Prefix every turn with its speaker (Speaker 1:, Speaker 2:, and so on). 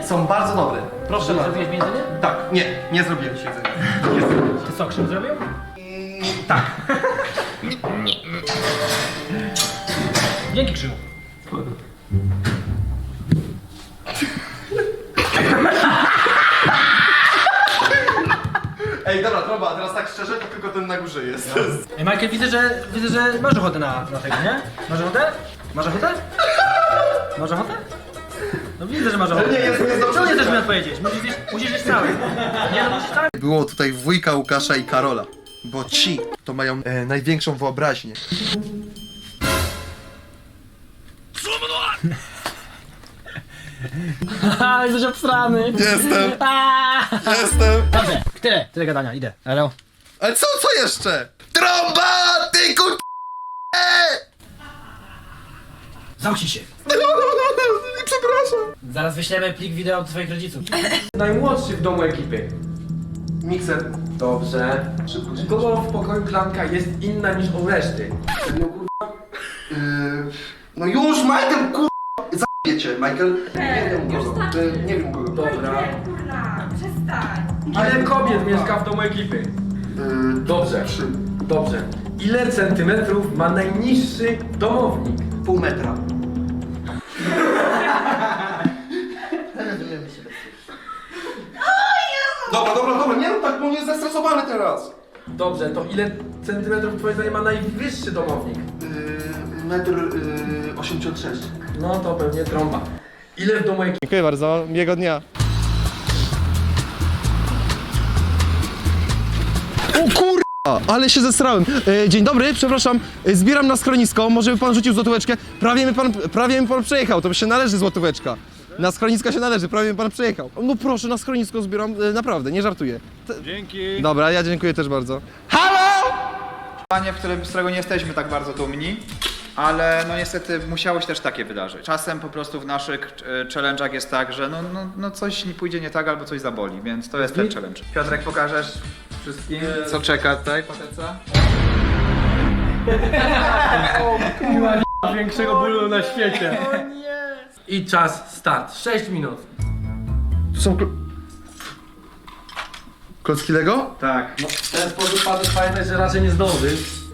Speaker 1: Są bardzo dobre. Proszę bardzo.
Speaker 2: Zrobiłeś mi jedzenie?
Speaker 1: Tak, nie zrobiłem ci jedzenia.
Speaker 2: Ty co, Krzyw zrobił?
Speaker 1: Tak.
Speaker 2: Dzięki, Krzyw.
Speaker 1: Ej, dobra, Trąba, a teraz tak szczerze, to tylko ten na górze jest.
Speaker 2: Ej, Michael, widzę, że masz ochotę na tego, nie? Masz ochotę? Masz ochotę? Masz ochotę? No widzę, że masz ochotę.
Speaker 1: Nie, jest dobrze.
Speaker 2: Czemu nie chcesz mi odpowiedzieć? Musisz jeść cały. Nie, no musisz cały.
Speaker 1: Było tutaj wujka Łukasza i Karola, bo ci to mają największą wyobraźnię.
Speaker 2: Haha, jesteś obstrany.
Speaker 1: Jestem,
Speaker 2: Aaaa!
Speaker 1: jestem.
Speaker 2: Dobrze, tyle gadania, idę. Elo.
Speaker 1: Ale co jeszcze? Trąba, ty kur...
Speaker 2: Zamknij się.
Speaker 1: Przepraszam.
Speaker 2: Zaraz wyślemy plik wideo do twoich rodziców.
Speaker 3: Najmłodszy w domu ekipy.
Speaker 1: Mikser.
Speaker 3: Dobrze.
Speaker 1: Szybko,
Speaker 3: U kogo w pokoju klamka jest inna niż u reszty?
Speaker 1: No kurwa. No już, Michael, kurwa. Zajebiecie, Michael. Nie wiem
Speaker 4: już
Speaker 1: kogo.
Speaker 4: tak.
Speaker 1: Nie wiem kogo.
Speaker 3: Dobra.
Speaker 4: Kurna, przestań.
Speaker 3: Ile kobiet mieszka w domu ekipy? Dobrze.
Speaker 1: 3.
Speaker 3: Dobrze. Ile centymetrów ma najniższy domownik?
Speaker 1: Pół metra. Dobra, nie rób tak, bo on jest zestresowany teraz.
Speaker 3: Dobrze, to ile centymetrów twoim zdaniem ma najwyższy domownik?
Speaker 1: Metr 86.
Speaker 3: No to pewnie trąba. Ile w domu ekipy?
Speaker 5: Dziękuję bardzo, miłego dnia. O kurwa, ale się zesrałem. Dzień dobry, przepraszam, zbieram na schronisko, może by pan rzucił złotóweczkę? Prawie mi pan przejechał, to się należy złotóweczka. Na schronisko się należy, prawie mi pan przejechał. No proszę, na schronisko zbieram, naprawdę, nie żartuję. Dzięki. Dobra, ja dziękuję też bardzo.
Speaker 6: Panie, z którego nie jesteśmy tak bardzo dumni, ale no niestety musiało się też takie wydarzyć. Czasem po prostu w naszych challenge'ach jest tak, że no coś nie pójdzie nie tak albo coś zaboli, więc to jest ten challenge. Piotrek, pokażesz wszystkim, co czeka tutaj, pateca?
Speaker 3: Większego bólu na świecie. I czas start. 6 minut.
Speaker 1: To są klocki Lego?
Speaker 6: Tak.
Speaker 3: W ten sposób pamiętaj, że raczej nie zdążysz.